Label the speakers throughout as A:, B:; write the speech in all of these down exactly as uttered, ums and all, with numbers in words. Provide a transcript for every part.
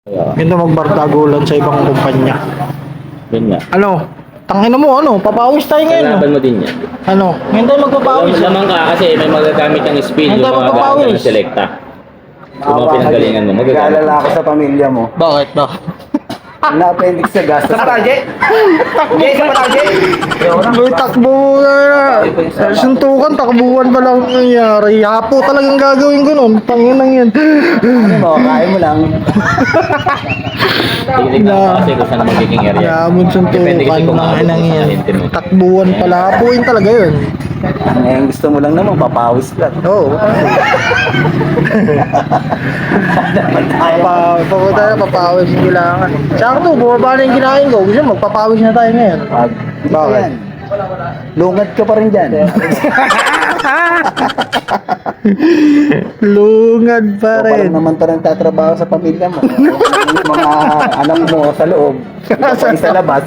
A: Kaya,
B: Ganda magbardagulan sa ibang kumpanya.
A: yun nga.
B: Ano? Tangina mo, ano? Papawis tayo ngayon.
A: Kalaban
B: No?
A: mo din yan.
B: Ano? Ngayon tayo magpapawis.
A: Alam naman ka kasi may magagamit ng speed,
B: Hindi
A: yung
B: tayo
A: mga gamit
B: magpapawis.
A: ng selecta. Yung mga pinanggalingan mo, magagamit.
C: Nag-aalala ako sa pamilya mo.
B: Bakit? Bakit?
C: Na-appendix sa gastos.
D: Sa Patalje? Hindi, sa Patalje?
B: May takbo na. Suntukan, takbuhan pa lang nangyari. Yapo talagang gagawin ko nun. Tanginang yan.
C: Ano mo, kaya mo lang.
A: Tingnan mo kasi kung saan ang magiging area.
B: Yamon
A: Depende kasi
B: suntukan
A: kung
B: ng
A: maabot
B: inang
A: mo sa
B: yan.
A: hinte mo.
B: Takbuhan pala. Hapuin talaga yun.
C: Ngayon gusto mo lang naman, papawis ka.
B: Oo. Pa, papunta na, papawis yung kailangan. Sakto, bumaba na yung kinain ko. Gusto mo, magpapawis na tayo ngayon.
C: Pag,
B: Bakit?
C: yan. Lungad ka pa rin dyan.
B: Lungad pa
C: So, parang
B: rin.
C: naman pa rin tatrabaho sa pamilya mo. Yung mga anak mo sa loob. Ikaw pa rin sa labas.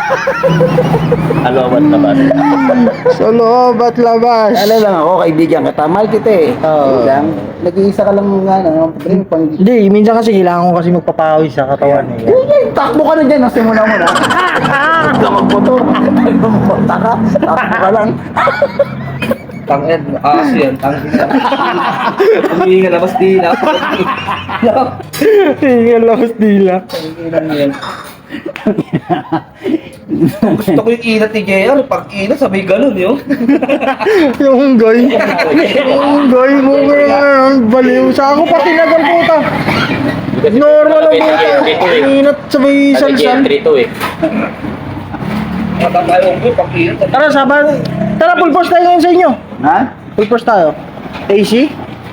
A: Alawat na ba?
B: Sa loob at labas.
C: Ano lang ako, kaibigan kita. Mahal kita eh.
B: Oo.
C: Yun lang. Nag-iisa ka lang ano, rin pang...
B: Hindi, minsan kasi kailangan ko kasi magpapawis sa katawan. Eh.
C: Yun, takbo ka na dyan. Nasa muna mo na. Huwag ka magmotor. Magpunta ka. Takbo ka lang.
D: Tangin, aso yan, tangin yan. Humingi nga labas di na.
B: Hingal labas dila.
D: Tangin yan. Gusto ko yung inat ni J R. Pag inat, sabay ganun yun.
B: Yung unggoy. Yung unggoy mo ngayon. Baliw. Sa ako pa tinagal puta. Normal ang puta. Inat sabay
A: Kasi G
B: salsal.
A: M three to eh.
D: Matatayong ko, pag inat.
B: Tara, saban. Tara, full force tayo ngayon sa inyo.
C: Ha?
B: Full force tayo. A C?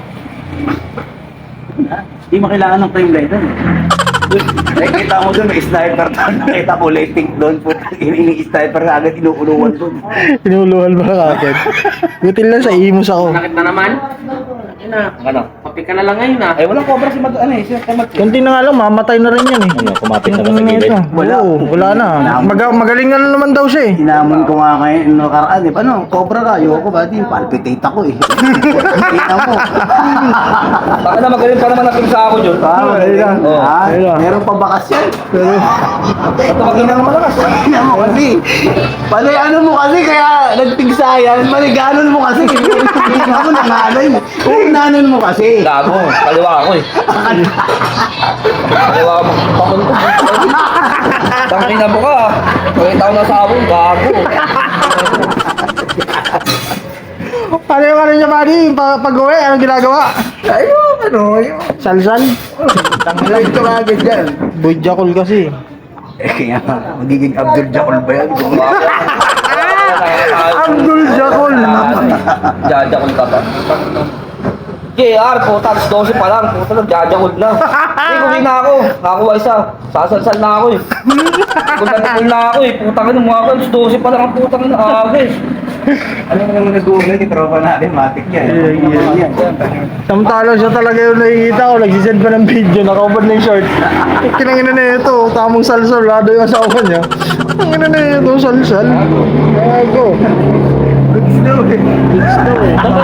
C: Hindi mo kailangan ng frame light doon. Nakikita mo doon, may sniper doon. Nakita ko lighting doon. Putang ini sniper na agad inukuluan doon.
B: Inuluhan ba agad? Butil lang sa imos ako.
D: Nakit na naman? Ina. Ano? Papi ka na lang ngayon ah. Eh, walang cobra si Mag... Ano eh, si Mag...
B: Kunti na nga lang, mamatay na rin yan eh.
A: Ano, kumapit na ba sa
B: Ano
A: gilid?
B: ito?
C: Wala.
B: Oo, wala na. Mag- magaling na naman daw siya eh.
C: Sinamon ko nga kayo, no, karaan eh. Paano, cobra ka, ayoko ba? Di, palpitate ako eh. Kita mo.
D: Baka na magaling pa naman natin sa ako yun.
C: Ah, magaling lang.
D: Oo.
C: Ah,
B: ayun lang.
C: meron pa bakas yan.
B: Pero,
D: Ito magaling na malakas.
C: Tingnan mo kasi. Pali ano mo kasi, kaya nagpigsayan. Maliganon mo kasi. Tingnan mo, nanganay. Kung nanon mo kasi.
D: Gago, kaliwa ako eh. Kaliwa ako magpapunta. Tangin na mo ka. Pakita ko na sa abong, gago.
B: paano yung ano niya, buddy? Pa- Pag-uwi, anong ginagawa?
C: Ayun, ano, yun.
B: Salsal?
C: Tanglay ko agad yan.
B: Boy Jackal kasi.
C: Eh, kaya magiging Abdul Jakol ba yan?
B: Abdul Jackal.
D: Jajakol ka ba? J R, puta, alas dose pa lang. Puta, nagjajakol na. Hindi, kumin na ako. Nakakuha isa. Sasalsal na ako eh. Kung nanakul na ako eh. Putang ina, mga alas dose pa lang ang putang ina. Aga eh.
C: Ano naman nag-google yung tropa natin, matik yan.
B: Yeah, yeah. Samtalo siya talaga yung nakikita ko. Nagsisend pa ng video, nakaubad na yung short. Kinangina na ito, tamang salsal. Lado yung asawa niya. Kinangina na ito, salsal. Gago.
C: Good snow eh.
B: It's no eh.